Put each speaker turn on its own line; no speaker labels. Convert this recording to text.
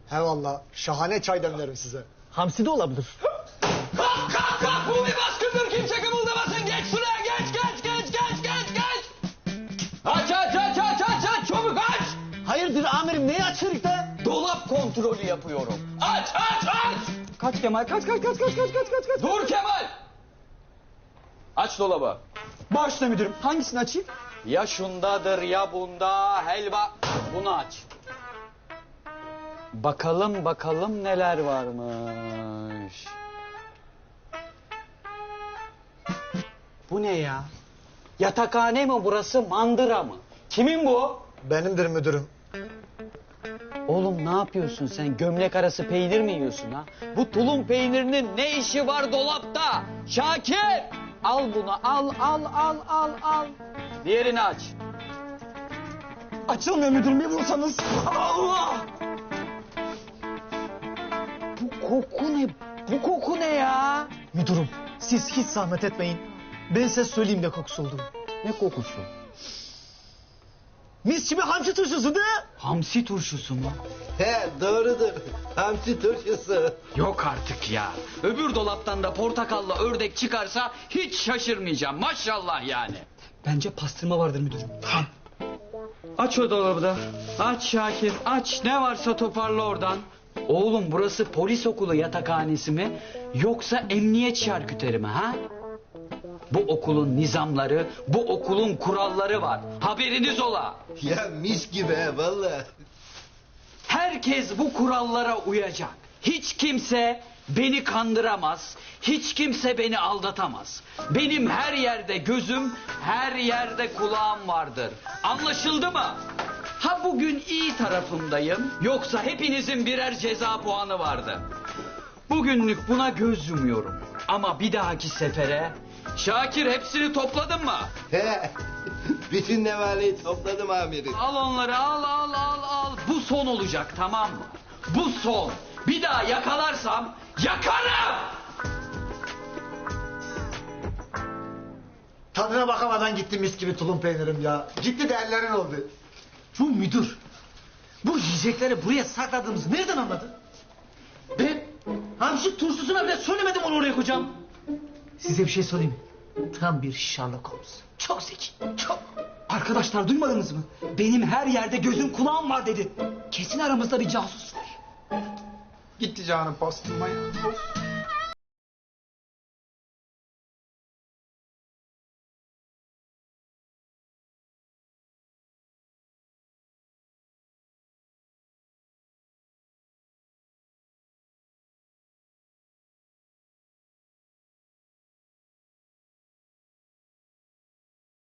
He valla şahane çay demlerim size.
Hamsi de olabilir.
Kalk kalk kalk, bu bir baskındır, kimse kımıldamasın. Geç şuraya, geç. Aç çabuk aç.
Hayırdır amirim, neyi açıyoruz da?
Dolap kontrolü yapıyorum. Aç.
Kaç Kemal, kaç.
Dur Kemal. Aç dolabı.
Başla müdürüm, hangisini açayım?
Ya şundadır ya bunda, helva. Bunu aç. Bakalım neler varmış. Bu ne ya? Yatakhane mi burası, mandıra mı? Kimin bu?
Benimdir müdürüm.
Oğlum ne yapıyorsun sen? Gömlek arası peynir mi yiyorsun ha? Bu tulum peynirinin ne işi var dolapta? Şakir! Al bunu, al. Diğerini aç.
Açılmıyor müdürüm, bir vursanız.
Allah! Bu koku ne ya?
Müdürüm, siz hiç zahmet etmeyin. Ben size söyleyeyim de kokusu olduğunu.
Ne kokusu?
Mis gibi hamsi turşusu da.
Hamsi turşusu mu?
He doğrudur. Hamsi turşusu.
Yok artık ya. Öbür dolaptan da portakalla ördek çıkarsa hiç şaşırmayacağım. Maşallah yani.
Bence pastırma vardır müdürüm.
Aç o dolabı da. Aç Şakir, aç. Ne varsa toparla oradan. Oğlum burası polis okulu yatakhanesi mi? Yoksa emniyet şarküteri mi ha? Bu okulun nizamları, bu okulun kuralları var. Haberiniz ola.
Ya mis gibi he valla.
Herkes bu kurallara uyacak. Hiç kimse beni kandıramaz. Hiç kimse beni aldatamaz. Benim her yerde gözüm, her yerde kulağım vardır. Anlaşıldı mı? Ha bugün iyi tarafımdayım, yoksa hepinizin birer ceza puanı vardı. Bugünlük buna göz yumuyorum. Ama bir dahaki sefere... Şakir, hepsini topladın mı?
He. Bütün nevaleyi topladım amirim.
Al onları, al. Bu son olacak, tamam mı? Bu son. Bir daha yakalarsam yakarım.
Tadına bakamadan gitti mis gibi tulum peynirim ya. Gitti de ellerin oldu.
Şu müdür, bu yiyecekleri buraya sakladığımızı nereden anladı? Ben hamsi turşusuna bile söylemedim onu oraya koyacağım. Size bir şey söyleyeyim mi? Tam bir Sherlock Holmes. Çok zeki, çok. Arkadaşlar duymadınız mı? Benim her yerde gözüm kulağım var dedi. Kesin aramızda bir casus var.
Gitti canım pastırma ya.